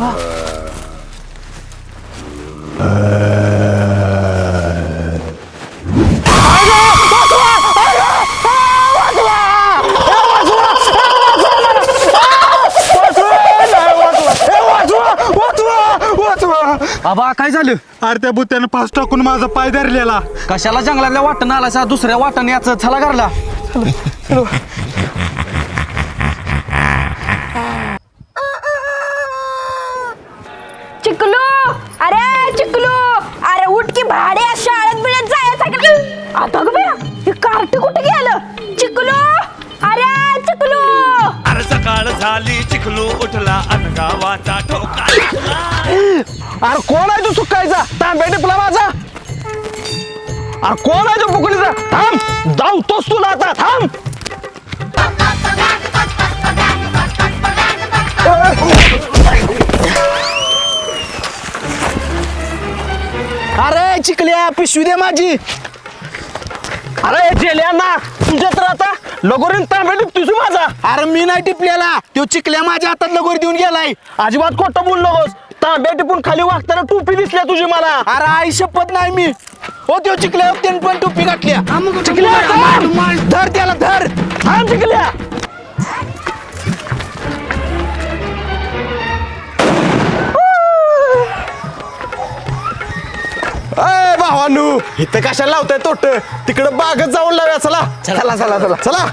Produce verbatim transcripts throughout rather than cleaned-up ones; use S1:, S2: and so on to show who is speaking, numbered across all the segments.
S1: आबा काय झालं?
S2: अरे त्या बुत्यानं पास टाकून माझा पाय धरलेला.
S1: कशाला जंगलातल्या वाटण आला दुसऱ्या वाटण याच छला करला.
S3: चिकलू, अरे चिकलू, अरे उठ की भाड्या, शाळेत बिळेत जायचं. आता ग बया, हे कार्ट कुठे गेलं? चिकलू, अरे चिकलू.
S4: अरे सकाळ झाली, चिखलू उठला अन गावाचा ठोका.
S1: अरे कोण आहे तू सुकायचा? तांब्या टिपला माझा. अरे कोण आहे तू बुकलीचा? थांब, जाऊ तोच तुला आता. थांब. अरे चिकल्या, पिशवी दे माझी. अरे जेल्यांना तुझ्या तर आता लगोरीन तांब्या टिपतोस माझा. अरे मी नाही टिपलेला, तो चिकल्या माझ्या हातात लगोरी देऊन गेलाय. अजिबात खोटं बोल नकोस. तांब्या टिपून खाली वागताना टोपी दिसल्या तुझी मला. अरे आई शपथ नाही मी. हो त्यो चिकल्या त्यान पण टोपी घातल्या. चिकल्या धर त्याला, धर. थांब चिकल्या.
S5: अय भावानू, इथं कशाला लावताय तोट? तिकडं बागत जाऊन लाव्या. चला चला चला चला चला.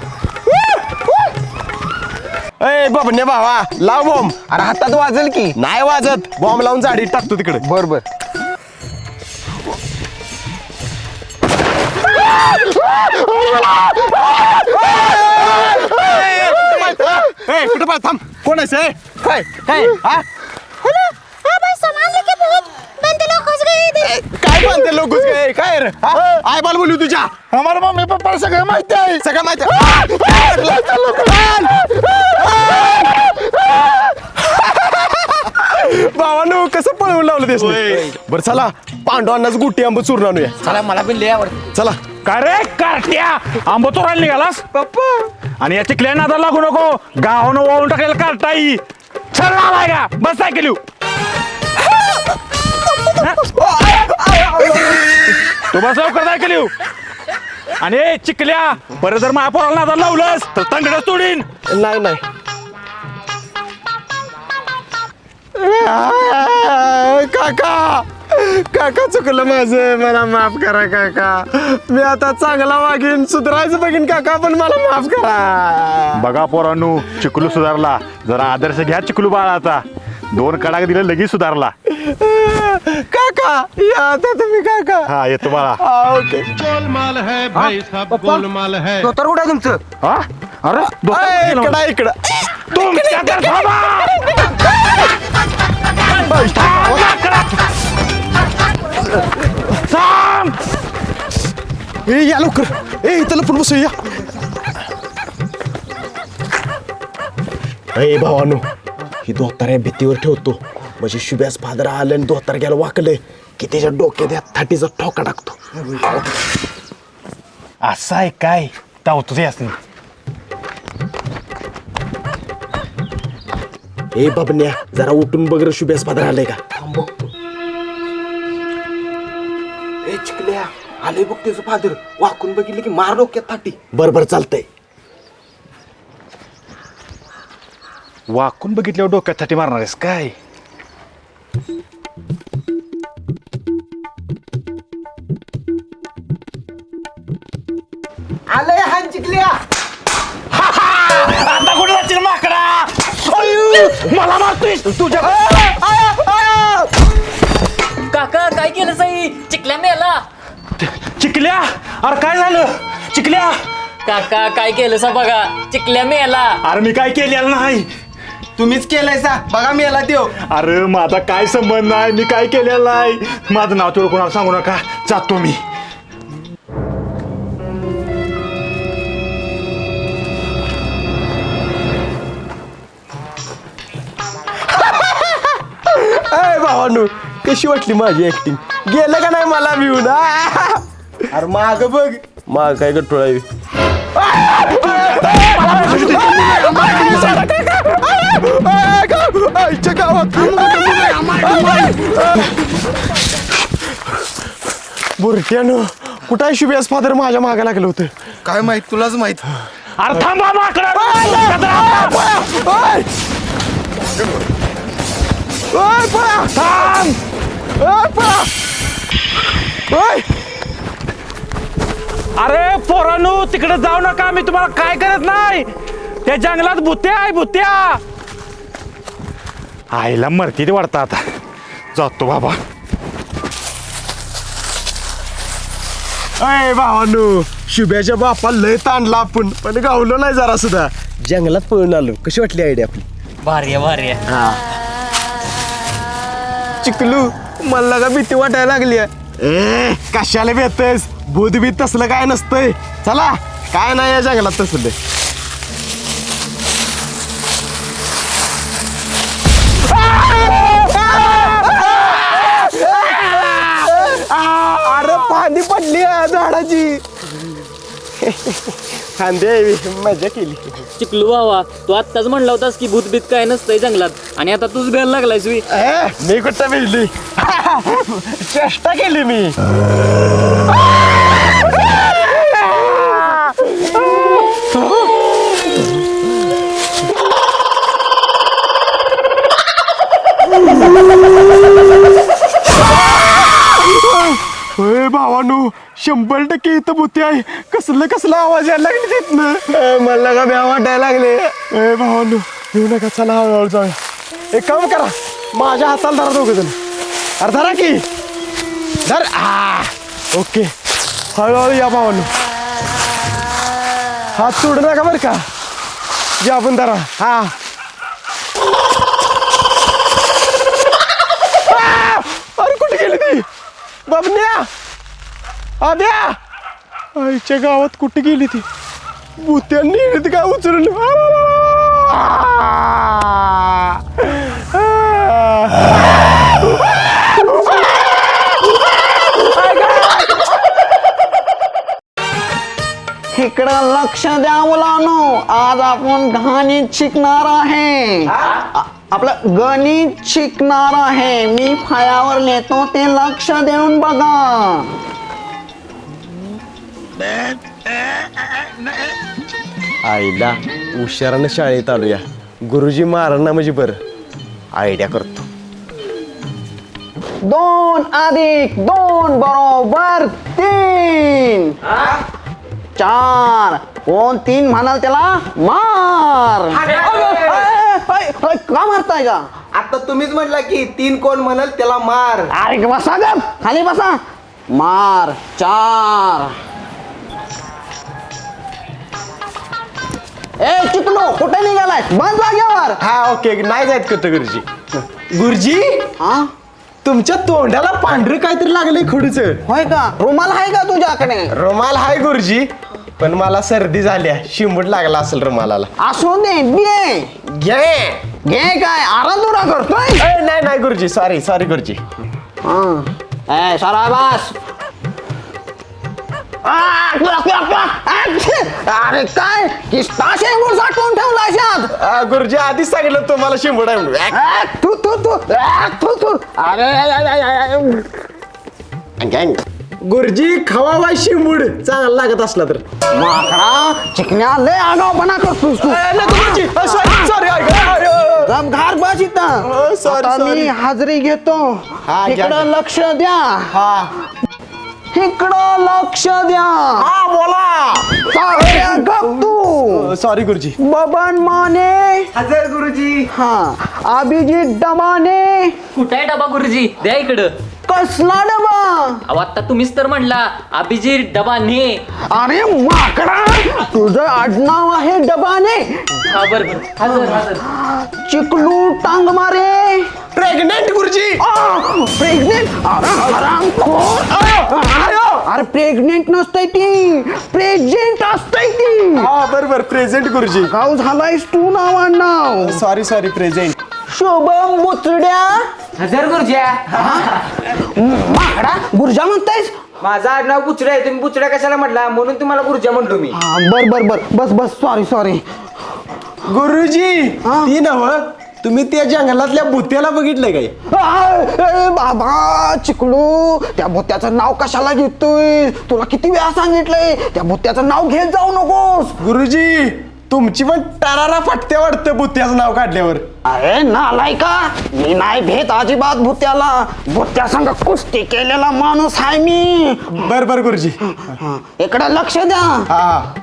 S5: अय बबने भावा, लाव बॉम्ब.
S1: अरे हातात वाजेल की.
S5: नाही वाजत, बॉम्ब लावून जाडी टाकतो तिकडे.
S1: बर बर.
S5: कुठं पाय? थांब. कोण आहे? काय
S1: काय हा?
S5: काय म्हणते लोक? काय रे? आय बाल बोलू तुझ्या. आम्हाला मम्मी पप्पा सगळं माहिती आहे. सगळं माहिती भावानो, कसं पळवून लावलं देश. बरं चला, पांडवांनाच गुटी आंब चूर्ण आणूया.
S1: चला, मला पण लय आवडत.
S5: चला.
S2: काय रे कार्ट्या, आंबा चोरायला निघालास?
S5: पप्पा
S2: आणि या चिकल्या नादा लागू नको. गावानं वाळून टाकलेला कार्टाई. चल आलाय का? बस सायकल येऊ. तू बस लवकर सायकल येऊ. आणि ए, चिकल्या, परत जर माझ्या पोराला नादा लावलंस तर तंगडच तोडीन.
S5: नाही नाही. काका काका चुकलं माझं, मला माफ करा काका. मी आता चांगला वागीन, सुधारायचं बघीन काका, पण मला माफ करा.
S2: बघा पोरांनो, चिकलू सुधारला. जरा आदर्श घ्या चिकलू बाळाचा. दोन कडाक दिले, लगेच सुधारला.
S5: काका या आता तुम्ही काका.
S2: हा येतो बाळा.
S5: हा, ओके.
S6: गोलमाल है भाई, सब गोलमाल है.
S1: धोतर कुठं आहे तुमचं?
S2: हा अरे
S5: अय,
S2: दोस्त-
S5: इकडं इकडं.
S2: तुमच्या तर थांबा. थांब.
S5: ए या लवकर. ए इथं लपून बसू या. ए भावानो, ही दोतार या भीतीवर ठेवतो. म्हणजे शुभ्यास फादर आलं आणि दोतार गेला वाकले की त्याच्या डोक्यात या थाटीचा ठोका टाकतो.
S2: असं आहे काय? तावतोच असं.
S5: ए बाबन्या, जरा उठून बघ रे, शुभ्यास फादर आलंय का? ए चिकल्या, आले बघ त्याचं फादर. वाकून बघितलं की मार डोक्यात थाटी. बर बर चालतंय.
S2: वाकून बघितल्यावर डोक्यासाठी मारणार आहेस काय?
S5: आलंय हा चिकल्या.
S2: आता कुठे जातील माकडा? मला मारतोयस तुझ्या.
S7: काका काय केलं साई? चिकल्या मेला.
S2: चिकल्या, अरे काय झालं? चिकल्या,
S7: काका काय केलं सा बघा, चिकल्या मेला.
S2: अरे मी काय केलेलं नाही.
S5: तुम्हीच केलंय सा, बघा मी याला देव.
S2: अरे माझा काय संबंध नाही, मी काय केलेलं नाही. माझं नाव तेवढं कोणाला सांगू नका. जातो मी.
S5: अय भावानू, कशी वाटली माझी ऍक्टिंग? गेलं का नाही मला भिवून? अरे माग बघ, माग काय गट्टोळा आहे. आईच्या गावात बुरट्यानं कुठं आहे शुभ्यास फादर माझ्या मागे लागलं होतं
S1: काय माहित तुलाच माहित
S2: अरे थांबा माकडा
S5: ओय! ओय, पळा!
S2: थांब
S5: ओय, पळा! ओय!
S2: अरे पोरांनो तिकडे जाऊ नका मी तुम्हाला काय करत नाही त्या जंगलात भुत्या आहे भुत्या आईला मरती ते वाटतं आता जातो बाबा
S5: अय भावानू शुभ्याच्या बापा लय ताणला आपण पण गावलो नाही जरा सुद्धा जंगलात पळून आलो कशी वाटली आयडिया आपली
S7: भारी आहे भारी आहे
S5: चिकलू मला का भीती वाटायला लागली ए कशाला भेटतेस भूत बीत तसलं काय नसतंय चला काय नाही या जंगलात तसलं अरे पाणी पडली आहे झाडाची खांदे मजा केली
S7: चिकलू बाबा तू आत्ताच म्हणला होतास की भूतबीत काय नसतंय जंगलात आणि आता तूच भेल लागलायस मी
S5: ए, मी कुठं भिजली चेष्टा केली मी होय भावानू शंभर टक्के इथं भूती आहे कसलं कसला आवाज यायला लागली तिथनं मला का भ्या वाटायला लागले ए भावानू येऊ नका चला हळूहळू जाऊया एक काम करा माझ्या हाताला धरा दोघं जण अरे धरा की धर आ ओके हळूहळू या भावानू हात सोडू नका बरं का या आपण धरा हा आ! अरे कुठे गेली ती बाबन्या आद्या आईच्या गावात कुठे गेली ती भूत्यांनी काय उचलून
S1: इकडं लक्ष द्या मुलांनो आज आपण गणित शिकणार आहे आ- आपलं गणित शिकणार आहे मी फळ्यावर लिहितो ते लक्ष देऊन बघा
S5: आईला हुशारानं शाळेत आलोया गुरुजी मारांना म्हणजे बरं आयडिया करतो
S1: दोन अधिक दोन बरोबर तीन चार कोण तीन म्हणाल त्याला मार अय, अय, अय, का मारताय का
S5: आता तुम्हीच म्हटला की तीन कोण म्हणाल त्याला मार
S1: अरे बसा ग खाली बसा मार चार ए चिकलो कुठे निघालाय बंद जागेवर
S5: हा ओके नाही जायत करतो गुरुजी गुरुजी
S1: हा
S5: तुमच्या तोंडाला पांढरं काहीतरी लागलंय खडूच
S1: होय का रुमाल आहे का तुझ्याकडे
S5: रुमाल हाय गुरुजी पण मला सर्दी झाल्या शिंबूट लागला असेल रुमालाला
S1: असू दे घे
S5: घे
S1: घे काय आराधुरा करतोय
S5: ए, नाही नाही गुरुजी सॉरी सॉरी गुरुजी
S1: हा ए सराबास अरे काय किस्ता शेंगूर साठवून ठेवला शात
S5: आ, गुरुजी आधीच सांगितलं तुम्हाला शिंबूट आहे म्हणून. ऍ,
S1: तू तू तू तू तू अरे
S5: गुरुजी खवा बाय शिंबूड चांगला लागत असला तर
S1: माकडा चिकन्या लय आगावपणा करतोस तू
S5: गुरुजी सॉरी सॉरी
S1: गप घार बस इथं
S5: Oh, sorry,
S1: आता मी
S5: sorry.
S1: हाजरी घेतो
S5: हा, घ्या,
S1: इकडं
S5: घ्या.
S1: लक्ष द्या
S5: हा
S1: इकडं लक्ष द्या
S5: हा बोला
S1: सावऱ्या गप तू
S5: सॉरी गुरुजी
S1: बबन माने
S5: हजर गुरुजी
S1: हा अभिजित डबाने
S7: कुठे आहे डबा गुरुजी द्या इकडं
S1: कसला डबा
S7: अहो आता तुम्हीच तर म्हणला अभिजित डबा ने
S1: अरे माकडा तुझं आडनाव आहे डबाने
S7: हा बरं बरं हजर हजर
S1: चिकलू टांग मारे
S5: प्रेग्नेंट गुरुजी
S1: प्रेग्नेंट अरे प्रेग्नेंट नसतंय ती प्रेग्नेंट असतंय ती
S5: हा बरोबर प्रेझेंट गुरुजी
S1: गाव झालायस तू नाव आडनाव
S5: सॉरी सॉरी प्रेझेंट
S1: शुभम बुचड्या
S7: हजर गुरुज्या
S1: माकडा गुर्जा म्हणतायस
S8: माझा आडनाव बुचडा आहे तुम्ही बुचडा कशाला म्हटला म्हणून तुम्हाला गुरुजा म्हणतो मी
S1: हा बर बर बर बस बस सॉरी सॉरी
S5: गुरुजी
S1: हा?
S5: ती नव तुम्ही त्या जंगलातल्या भुत्याला बघितलंय काय?
S1: ए बाबा चिकलू, त्या भुत्याचं नाव कशाला घेतोय? तुला किती वेळा सांगितलंय त्या भुत्याचं नाव घेत जाऊ नकोस.
S5: गुरुजी तुमची पण टारारा फाटते वाटतं भुत्याचं नाव काढल्यावर.
S1: अरे नालायका, मी नाही भेट अजिबात भुत्याला. भुत्या संग कुस्ती केलेला माणूस आहे मी.
S5: बर बर गुरुजी.
S1: इकडे लक्ष द्या.
S5: हा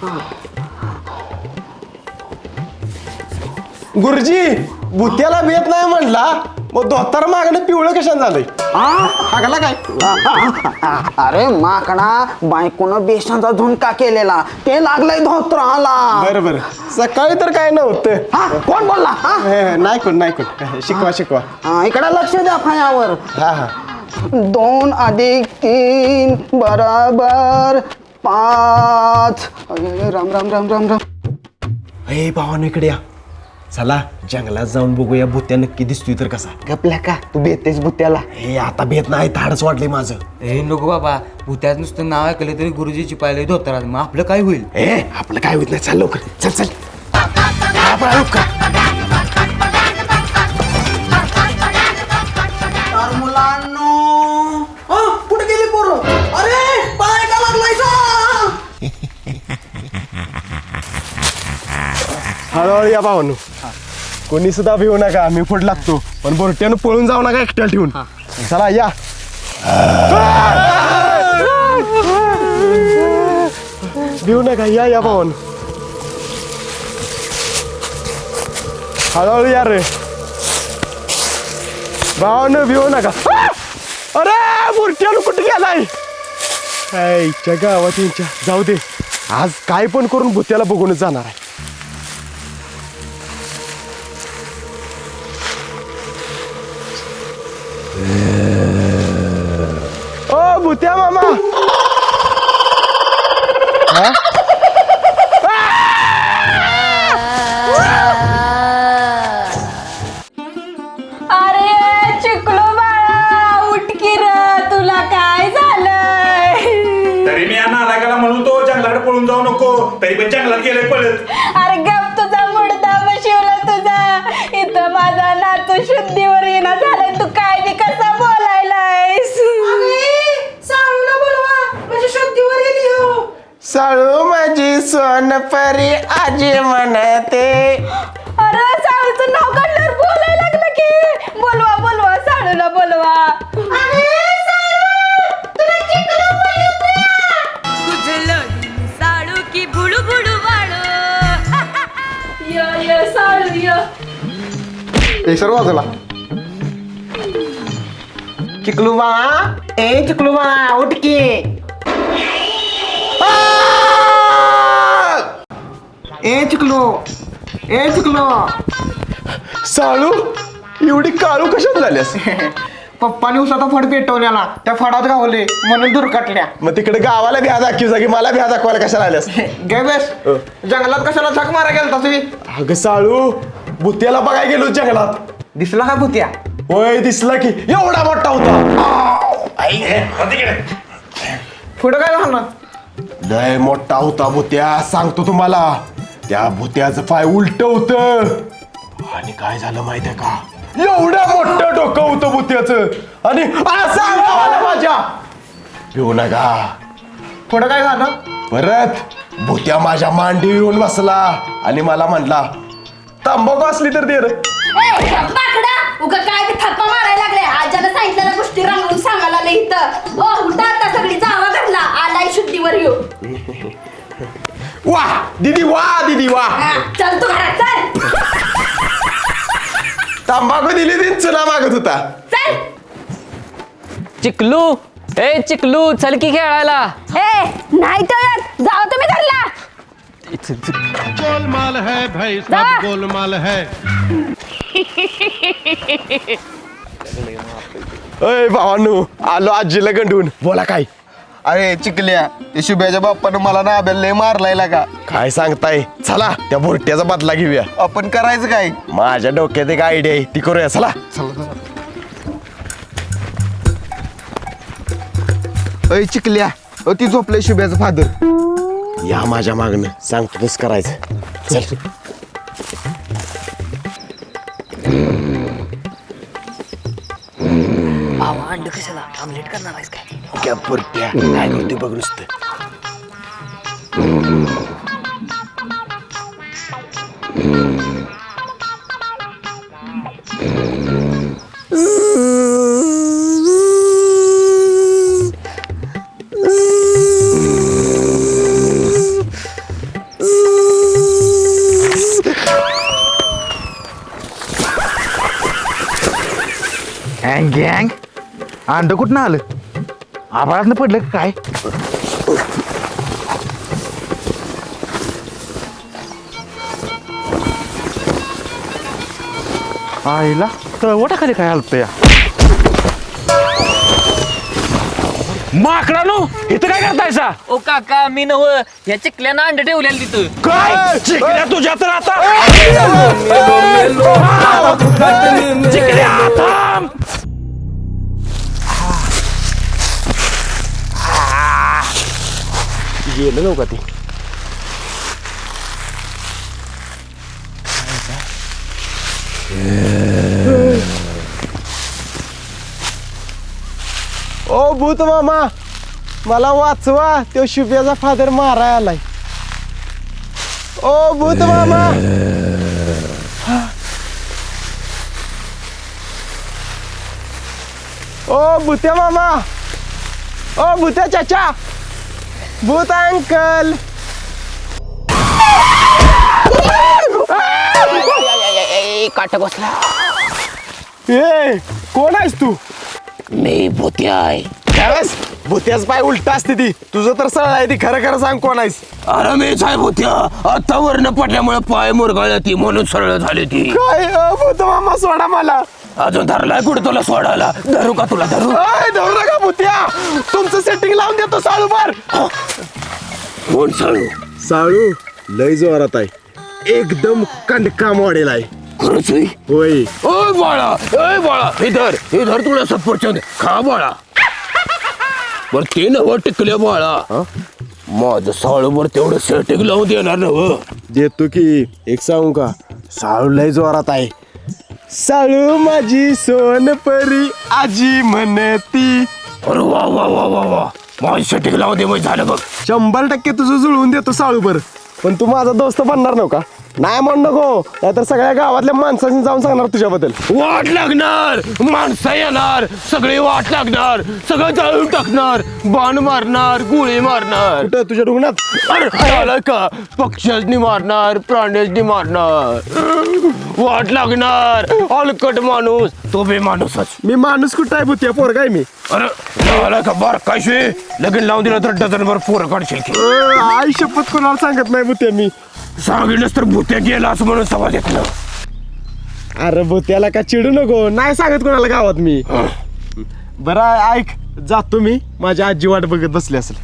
S5: गुरुजी भुत्याला भेट नाही म्हणला, मग धोतार मागणं पिवळं कशाने झालंय? हागला काय?
S1: अरे माकडा, बायकोनं बेसनचा झुणका केलेला, ते लागलंय धोत्राला.
S5: बर बर. सकाळी तर काय नव्हतं.
S1: हा कोण बोलला? हा?
S5: हे, नाही कोण नाही कोण. शिकवा शिकवा.
S1: हा, इकडे लक्ष द्या फायावर.
S5: हा हा
S1: दोन अधिक तीन बरोबर पाच. अरे, राम राम राम राम राम.
S5: हे भावानं इकडे या. चला जंगलात जाऊन बघूया भुत्या नक्की दिसतोय तर कसा.
S1: गपल्या का तू भेटतेस भुत्याला?
S5: हे आता भेट नाही, धाडच वाढले माझं.
S8: हे नको बाबा, भूत्यात नुसतं नाव ऐकलं तरी गुरुजी चिपायला धोतरात, मग आपलं काय होईल?
S5: ए आपलं काय होत नाही, चाल लवकर चल चल. हा, पळा लवकर.
S1: तर मुलांनो, कुठे गेली पोरं? अरे पाय का लागलायचा?
S5: हळूहळू या भावानू, कोणी सुद्धा भिवू नका, मी पुढे लागतो, पण बोरट्यानं पळून जाऊ नका एकट्याला ठेवून. चला या. भिवू नका, या या भावानू. हळूहळू या रे भावानू, भिवू नका. अरे बोरट्यानं कुठे गेलाय? आईच्या गावात यांच्या, जाऊ दे, आज काय पण करून भुत्याला बघूनच जाणार आहे. ओ भुत्या मामा. हा?
S3: अरे चिकलू बाळा, उठ की र, तुला काय झालंय?
S2: तरी मी या नालायकाला म्हणून तो जंगलाकडे पळून जाऊ नको, तरी पण जंगलात गेले पळत.
S3: अरे गप, तुझा मुडदा बशिवला तुझा. इथं माझा नातू शुद्धीवर येणं झालाय, तू काय बी कसा बोलायलायस? साळूला बोलवा, म्हणजे शुद्धीवर गेली हो.
S5: साळू माझी सोनपरी आजी म्हणते.
S3: अरे साळूचं नाव काढल्यावर बोलायला लागलं की. बोलवा बोलवा, साळूला बोलवा.
S9: साळू की बुडू बुडू वाळो.
S3: य य साळू य.
S5: हे सर्व वाजला.
S8: चिकलू बा, ए चिकलू बा, उठ की. ए चिकलू, ए चिकलू.
S5: साळू एवढी काळू कशात झाल्यास?
S8: पप्पाने उसाचा फड पेटवलेला, त्या फडात गावले म्हणून दुर्घटल्या.
S5: मग तिकडे गावाला भ्या दाखव जा की मला भ्या दाखवायला कशाला आल्यास?
S8: गे बेस, जंगलात कशाला झक मारा गेलता तुम्ही?
S5: अगं साळू भुत्याला बघायला गेलो जंगलात.
S8: दिसला का भूत्या?
S5: होय दिसला की, एवढा मोठा होता.
S8: पुढं काय झालं?
S5: लय मोठा होता भुत्या, सांगतो तुम्हाला. त्या भुत्याचं पाय उलट होत आणि काय झालं माहितीये का, एवढं मोठं डोकं होतं भुत्याचं आणि असं अंगावर माझ्या. भिवू नका.
S8: पुढं काय झालं?
S5: परत भुत्या माझ्या मांडी येऊन बसला आणि मला म्हणला, तंबाखू असली तर दे रे.
S3: बाकडा, उगा काय बी थप्पा मारायला लागले. आज्याला सांगितलेल्या गोष्टी रंगवून सांगायला लागले इथं. ओ उठा आता, सगळी जावा घरला, आलाय शुद्धीवर येऊ.
S5: वा दीदी, वा दीदी, वा.
S3: हा, चल तू घरात चल.
S5: तंबाखू दिली ती चुना मागत होता.
S3: चल.
S7: चिकलू, ए चिकलू, चल की खेळायला.
S3: ए नाही तर जाओ तुम्ही घरला.
S6: गोलमाल है भाई,
S3: जा.
S6: सब गोलमाल है.
S5: अय भावानू, आलो आजीला गंडून. बोला काय?
S1: अरे चिकल्या, ते शुभ्याच्या बाप्पानं मला ना लय मारलाय का.
S5: काय सांगताय? चला त्या बोरट्याचा बदला घेऊया.
S1: आपण करायचं काय?
S5: माझ्या डोक्यात एक आयडिया आहे, ती करूया. चला.
S1: अय चिकल्या, अ ती झोपलंय शुभ्याचं फादर.
S5: या माझ्या मागणं, सांगतो तसं करायचं. चल.
S7: अंड कशाला ऑमलेट करणार आहेस काय?
S5: क्या पुरट्या काय करते बघ नुसतं.
S1: गँग गँग अंड कुठं आलं आभाळातनं पडलं का काय? आईला तळवटा खाली काय आलत या
S2: माकडानो इथं काय करतायसा?
S7: ओ काका मी नव ह्या चिकल्यानं अंड ठेवलेलं तिथं.
S2: काय चिकल्या तुझ्या तर आता चिकल्या थांब.
S5: गेलं नव्हतं ते. ओ भूत मामा मला वाचवा तो शुभ्याचा फादर माराय आलाय. ओ भूत मामा ओ भूत्या मामा ओ भूत्या चाचा भूत अंकल
S1: काटा बसला.
S5: ए कोण आहेस तू?
S1: मी भूत्या आहे.
S5: त्यावेळेस भूत्याच पाय उलट असते ती तुझं तर सरळ आहे ती खरं खरं सांग कोण आहेस?
S1: अरे मीच आहे भूत्या. आता वरनं पडल्यामुळे पाय मुरगाळल्या ती म्हणून सरळ झाली ती.
S5: काय अ, भूत मामा सोडा मला.
S1: अजून धरलाय कुठं तुला सोडायला? धरू का तुला धरू?
S5: अय, धरू नका भूत्या तुमचं सेटिंग लावून देतो साळू बर.
S1: कोण साळू?
S5: साळू लय जोरात आहे एकदम कंडका मॉडेल आहे.
S1: खरंच होय?
S5: होय
S1: ओय बाळा ओय बाळा हे धर हे धर तुला सफरचंद खा बाळा. बर ते नव टिकल्या बाळा माझं साळूवर तेवढं सेटिंग लावून देणार नव.
S5: देतो की एक सांगू का साळू लय जोरात आहे. साळू माझी सोनपरी आजी म्हणती.
S1: अरे वा वा वा वा वा माझी सेटिंग लावून दे मग झालं बघ.
S5: शंभर टक्के तुझं जुळवून देतो साळू बर. पण तू माझा दोस्त बनणार नव्हता नाही म्हण नको नाहीतर सगळ्या गावातल्या माणसांनी जाऊन सांगणार तुझ्याबद्दल.
S1: वाट लागणार माणसं येणार सगळी वाट लागणार सगळं जाळून टाकणार बाण मारणार गोळी मारणार.
S5: कुठं तुझ्या रुग्णात?
S1: अरे झालं का पक्ष्यानी मारणार प्राण्यानी मारणार वाट लागणार अलकट माणूस तो बे माणूसच.
S5: मी माणूस कुठं आहे भूत्या पोरगा आहे मी.
S1: अरे झालं का बार काय लगीन लावून दिलं तर डझनभर पोरं काढशील की.
S5: अ, आई शपथ कोणाला सांगत नाही भूत्या मी.
S1: सांगितलंच तर भूत्या गेला असं म्हणून सभा घेतलं.
S5: अरे भूत्याला का चिडू नको नाही सांगत कोणाला गावात मी. बरं ऐक जातो मी माझ्या आजी वाट बघत बसली असेल.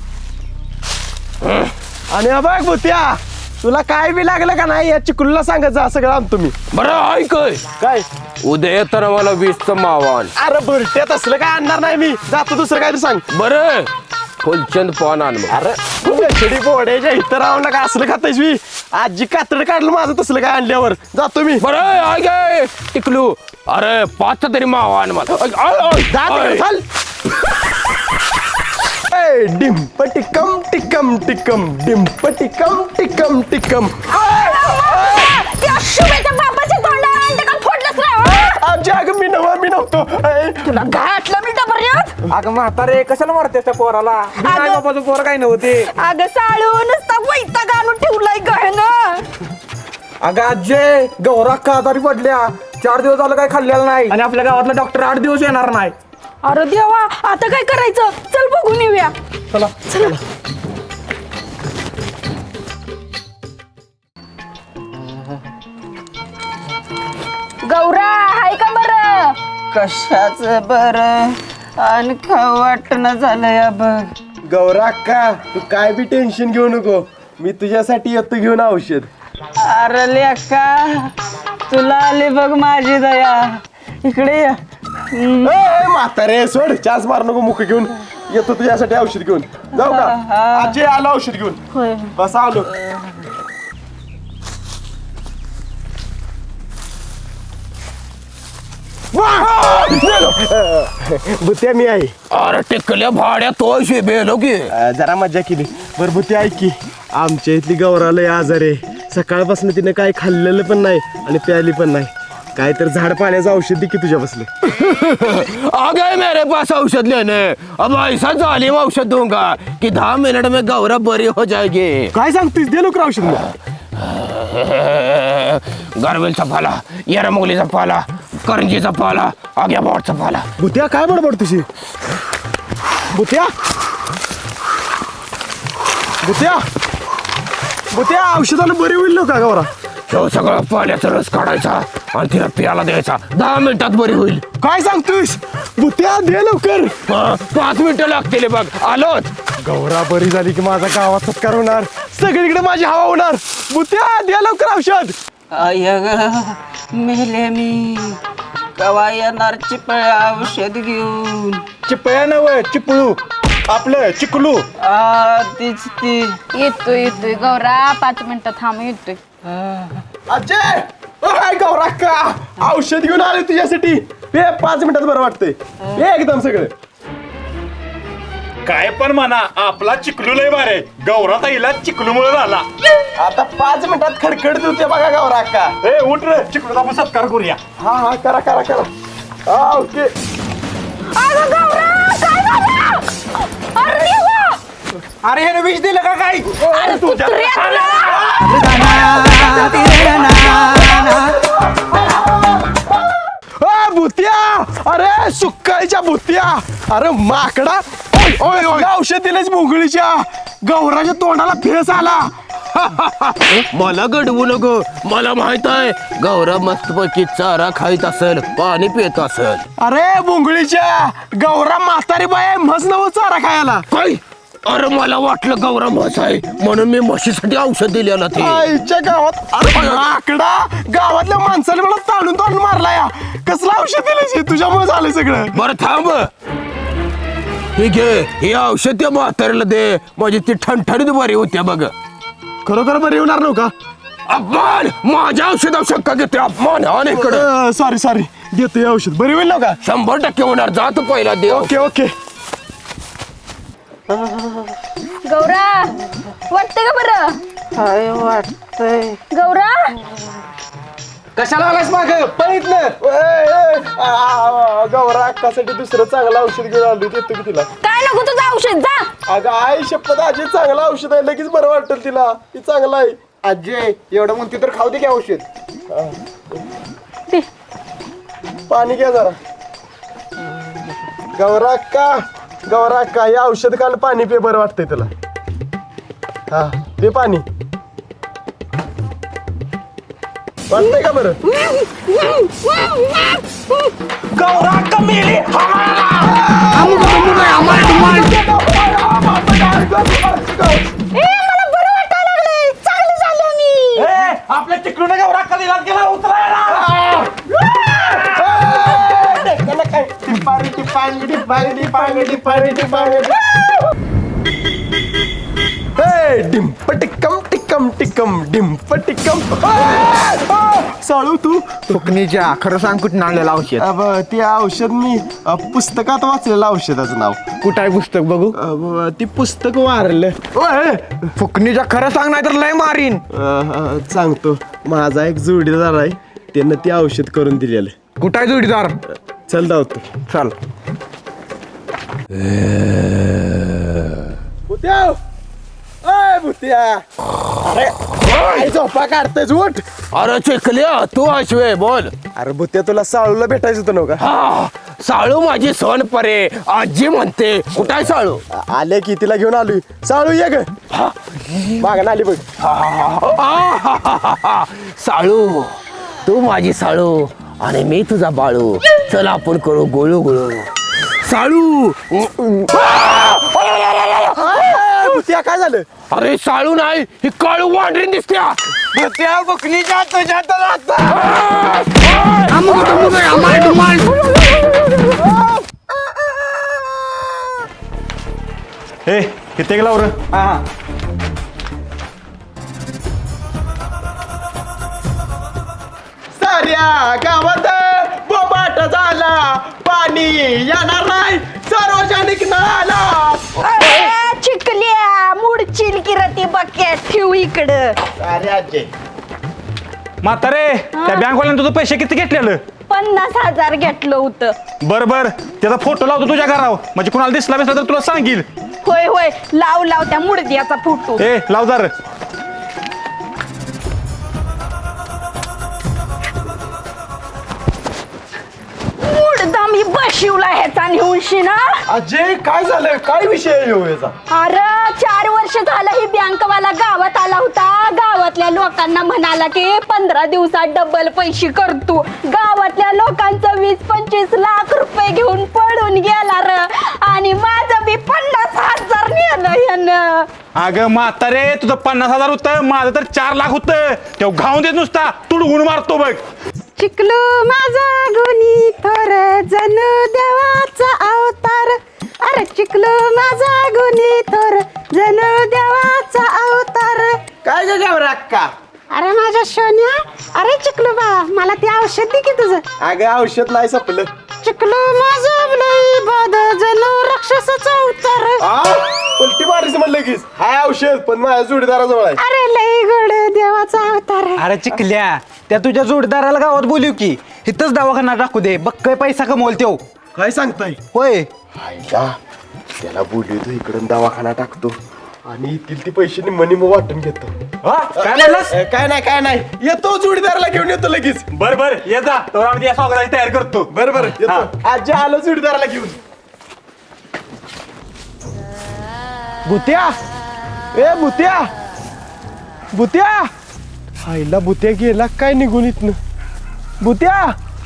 S5: आणि हा बघ भूत्या तुला काय बी लागलं का नाही या चिकुलला सांगत जा सगळं आणतो मी.
S1: बरं ऐक
S5: काय
S1: उद्या येताना मला वीसचं मावान.
S5: अरे बुरट्यात असलं काय आणणार नाही मी जातो दुसरं काय सांग.
S1: बरं फुलचंद पान आण मग.
S5: अरे छडी पोड्याच्या इथं राहून का असलं खातायस मी आजी कातड काढलं माझं तसलं काय आणल्यावर जातो मी.
S1: बरं ऐक आहे टिकलू अरे पाच तरी मावा आण मला. ऐक, ऐक, ऐक.
S5: जा तिकडे,
S1: ऐक.
S5: चल. ए, डिंप टिकम टिकम टिकम डिंप टिकम टिकम टिकम.
S3: त्या शुभेच्या बापाच्या तोंडाला अंड का फोडलंस रे?
S5: आजी अगं मी नव्हा मी नव्हतो. ए,
S3: तुला घातलं मी डबऱ्यात.
S8: अगं म्हातारे कशाला मारते त्या पोराला?
S3: अगं-
S8: बापाचं पोर काय नव्हते.
S3: अगं साळू नुसता वैताग आणून ठेवलाय गहन.
S8: अगं आजे गौरा का आजारी पडल्या चार दिवस झालं काय खाल्लेलं नाही आणि आपल्या गावातला डॉक्टर आठ दिवस येणार नाही.
S3: अरे देवा आता काय करायचं चल बघून येऊया.
S8: चला
S3: चला. गौरा हाय का बरं?
S10: कशाच बर आणि खाऊ वाटणं झालं या बघ.
S5: गौरा का तू काय बी टेन्शन घेऊ नको मी तुझ्यासाठी येतो घेऊन औषध.
S10: अरे लेका तुला आली बघ माझी दया इकडे ये.
S5: ए, म्हातारे सोड चान्स मार नको मुख घेऊन येतो तुझ्यासाठी औषध घेऊन जाऊ का. आजी आलो औषध घेऊन.
S3: होय.
S5: बस आलो. भुत्या मी आहे.
S1: अरे टिकल्या भाड्या तो बेलो की
S5: अं, जरा मजा केली. बरं भुत्या ऐक की, आमच्या इथली गौराला आजार आहे. सकाळपासून तिने काय खाल्लेलं पण नाही आणि प्याली पण नाही. काय तर झाड पाण्याचं औषध दे की तुझ्या बसलं.
S1: आ गए मेरे पास औषध लेने. अब ऐसा जालिम औषध दूंगा कि दहा मिनट में गौरा बरी हो जाएगी.
S5: काय सांगतोस, दे लवकर औषध मग.
S1: गारवेलचा पाला, येरमुगलीचा पाला, करंजीचा पाला, आग्या बोटचा पाला.
S5: भुत्या काय बडबड तुझी. भुत्या भुत्या भुत्या औषधानं बरी होईल का गौरा.
S1: तो सगळं पाण्याचा रस काढायचा आणि तिला पियाला द्यायचा. दहा मिनिटात बरी होईल.
S5: काय सांगतोस. भुत्या दे लवकर.
S1: हा, पाच मिनिटं लागतील बघ. आलोच.
S5: गौरा बरी झाली की माझा गावात सत्कार होणार, सगळीकडे माझी हवा होणार. भुत्या दे लवकर औषध.
S10: आय ग मेले मी कवा येणार चिपळ औषध घेऊन.
S5: चिपळ्या नव चिपळू आपलं चिकलू.
S10: आ तीच ती.
S3: येतोय येतोय गौरा, पाच मिनिटं थांब येतोय.
S5: अजय ओय गौरा का औषध घेऊन आले तुझ्यासाठी. हे पाच मिनिटात बरं वाटतंय. हे एकदम सगळं.
S2: काय पण म्हणा, आपला चिकलू लय बारे. गौरा ताईला चिकलूमुळे झाला.
S5: आता पाच मिनिटात खडखडत होते बघा गौरा का.
S2: ए उठ रे, चिकलूचा आपण सत्कार करूया.
S5: हा हा करा करा करा. हा ओके.
S8: अरे हे विष दिलं का काय.
S5: अ, भुत्या अरे सुक्काळीच्या भुत्या. अरे माकडा. ओय ओय ओय औषध दिलेच भोंगळीच्या. गौराच्या तोंडाला फेस आला.
S1: मला गडवू नको. मला माहित आहे गौरा मस्तपैकी चारा खाईत असेल, पाणी पित असेल.
S5: अरे भोंगळीच्या गौरा म्हातारी बाय म्हस नव चारा खायला.
S1: काय. अरे मला वाटलं गौरा म्हस आहे म्हणून मी म्हशीसाठी औषध दिलेलं ते.
S5: आईच्या गावात अरे माकडा गावातल्या माणसाने मला ताणून ताणून मारला या. कसलं औषध दिलं तुझ्यामुळे झालं सगळं.
S1: बरं थांब. ठीक आहे, हे औषध त्या म्हाताऱ्याला दे म्हणजे ती ठणठणीत बरी होत्या बघ.
S5: खरोखर बरं येणार नव्हता.
S1: अपमान. माझ्या औषधावर शक्का घेते. अपमान. आणि इकडं
S5: सॉरी सॉरी देतो हे औषध बरी होईल का.
S1: शंभर टक्के होणार. जातो पहिला देव.
S5: Okay okay.
S3: गौरा वाटतंय का बरं.
S10: काय वाटतंय.
S3: गौरा
S8: कशाला आलास माग पळीत ना.
S5: गौरा अक्कासाठी दुसरं चांगलं औषध घेऊन आलो. देतो की तिला.
S3: काय नको तुझं औषध जा.
S5: अगं आई शपथ आजी चांगलं औषध आहे. लगेच बरं वाटेल तिला. ती चांगलं आहे.
S8: अजय एवढं म्हणते तर खाऊ दे की औषध.
S5: पाणी घ्या जरा. गौरा अक्का गौरा अक्का हे औषध काल पाणी पे बरं वाटतंय तुला. हा दे पाणी. वाटतंय का बरं.
S2: गौरा कमेली. आपल्या चिकलूने गौरा कधी लाग गेला उतरायला.
S5: डिंप टिक्कम टिक्कम टिक्कम डिंप टिक्कम. साळू तू
S8: फुकणीच्या खरं सांग कुठं आणलेलं औषध.
S5: अब ते औषध मी अ, पुस्तकात वाचलेलं औषधाचं नाव.
S8: कुठं आहे पुस्तक बघू.
S5: अ, ती पुस्तक वारलं. ओय,
S8: फुकणीच्या खरं सांग नाही तर लय मारीन.
S5: अ, अ, सांगतो माझा एक जोडीदार आहे त्यानं ते औषध करून दिलेलं.
S8: कुठं आहे जोडीदार.
S5: चल धावतो.
S8: चल.
S5: भुत्या अय भुत्या. अरे काय झोपा काढतेस उठ.
S1: अरे चिकल्या तू अश्वे बोल.
S5: अरे भुत्या तुला साळूला भेटायचं होतं नव्हतं का.
S1: हा साळू माझी सोन परे आजी म्हणते. कुठं आहे साळू.
S5: आ- आले की तिला घेऊन आलोय. साळू ये ग. मागण आली बघ.
S1: आहाहाहा. साळू तू माझी साळू आणि मी तुझा बाळू. चल आपण करू गोळू गोळू. साळू.
S5: भुत्या काय झालं.
S1: अरे साळू नाही ही काळू वांढरीन दिसत्या.
S8: त्या फुकणीच्या तुझ्या
S2: हे किती गेला वर.
S5: साऱ्या गावात बोबाट झाला. पाणी येणार नाही सार्वजनिक नळाला.
S3: ए, चिकल्या मुडचिल किरती बकेट ठेवू इकडं.
S5: अरे आजे
S2: म्हातारे त्या बँकवाल्यानं तुझं पैसे किती घेतलेलं?
S3: पन्नास हजार घेतलं होतं.
S2: बर बर त्याचा फोटो लावतो तुझ्या घरावर म्हणजे कुणाला दिसला बिसला तर तुला सांगील.
S3: होय होय लाव लाव त्या मुडद्याचा फोटो.
S2: ए लाव जर.
S3: मुडदा मी बशिवला ह्याचा नेऊनशी ना.
S5: अजय काय झालं काय विषय आहे ह्यो याचा?
S3: अरे चार वर्ष झालं ही बँकवाला गावात आला होता. गावातल्या लोकांना म्हणाला की पंधरा दिवसात डबल पैसे करतो. गावातल्या लोकांचं वीस पंचवीस लाख रुपये घेऊन पळून गेला र. आणि माझं बी पन्नास हजार नेलं यानं.
S2: अगं म्हातारे तुझं पन्नास हजार होतं माझं तर चार लाख होतं. तेव्हा घाऊन देत नुसता तुडगुण मारतो बघ.
S3: चिकलू माझा गुणी थोर जणू देवाचा अवतार. अरे चिकलू माझा गुणी थोर जणू देवाचा अवतार.
S5: काय ग घाबरा अक्का?
S3: अरे माझ्या सोन्या. अरे चिकलू बा मला ते औषध दे की तुझं.
S5: अगं औषध नाही संपलं.
S3: चिकलू माझं लई बाद जणू राक्षसाचा अवतार.
S5: आ? उलटी मारायचं म्हणलं लगेच. हाय औषध पण माझ्या जोडीदाराजवळ आहे.
S3: अरे लई गोड देवाचा अवतार.
S8: अरे चिकल्या त्या तुझ्या जोडदाराला गावात बोलू की इथंच दवाखाना टाकू दे बघ काय पैसा कमवल त्यो.
S5: काय सांगताय?
S8: होय
S5: आईला त्याला बोलवतो इकडून दवाखाना टाकतो आणि येतील ती पैसे निम्म निम्म वाटून घेतो.
S2: काय म्हणलास?
S5: ए, काय नाही काय नाही येतो जोडीदाराला घेऊन येतो लगेच.
S2: बर बर ये जा तर आम्ही या स्वागताची तयारी करतो.
S5: बरं बरं येतो. आजी आलो जोडीदाराला घेऊन. भुत्या ए भुत्या भुत्या आईला भुत्या गेला काय निघून इथनं. भुत्या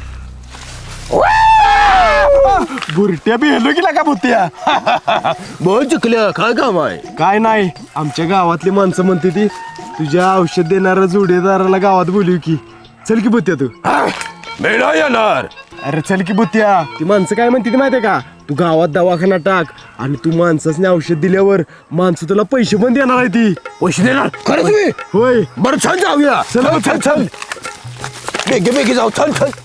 S5: बुरट्या बी हेलो गेला का भुत्या? बोल चुकल्या काय काम आहे? काय नाही आमच्या गावातली माणसं म्हणते ती तुझ्या औषध देणाऱ्या जोडीदाराला गावात बोलू की. चल की भुत्या तू. मी नाही येणार. अरे चल की भुत्या. ती माणसं काय म्हणते ती माहितीये का? तू गावात दवाखाना टाक आणि तू माणसाने औषध दिल्यावर माणसं तुला पैसे पण देणार आहे. ती पैसे देणार खरंच मी? होय. बरं छान जाऊया. चल चल चल बेगे बेगे जाऊ. चल चल.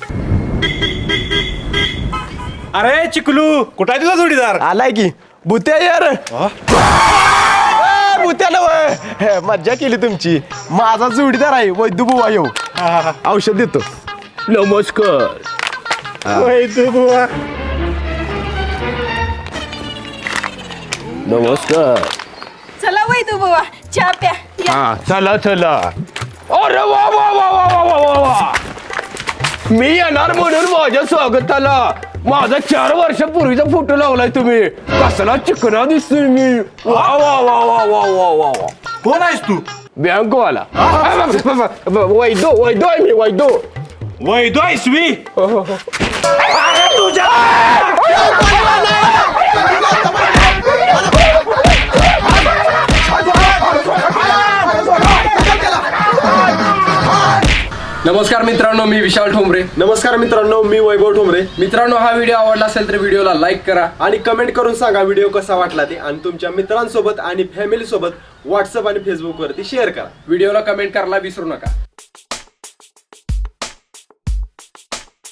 S2: अरे चिकलू कुठं आहे तुझा जोडीदार?
S5: आलाय की. भुत्या यार भुत्या नव मज्जा केली तुमची. माझा जोडीदार आहे वैद्य बुवा. येऊ औषध देतो. नमस्कार
S2: वैद्य बुवा.
S5: नमस्कार.
S3: चला वैदू बाबा चहा प्या. या.
S5: हा चला चला. अरे वा वा वा वा वा वा वा. मी येणार म्हणून माझ्या स्वागताला माझा चार वर्षापूर्वीचा फोटो लावलाय तुम्ही. कसला चिकना दिसतोय मी. वा वा वा वा वा वा वा वा.
S2: कोण आहेस तू?
S5: बँकवाला. वैदो वैदो आहे मी वैदो.
S2: वैद्य आहेस मी?
S8: नमस्कार मित्रांनो मी विशाल ठोंबरे.
S5: नमस्कार मित्रांनो मी वैभव ठोंबरे.
S8: मित्रांनो हा व्हिडिओ आवडला असेल तर व्हिडिओला लाईक करा
S5: आणि कमेंट करून सांगा व्हिडिओ कसा वाटला ते. आणि तुमच्या मित्रांसोबत आणि फॅमिली सोबत व्हॉट्सअप आणि फेसबुक वरती शेअर करा.
S8: व्हिडिओला कमेंट करायला विसरू नका.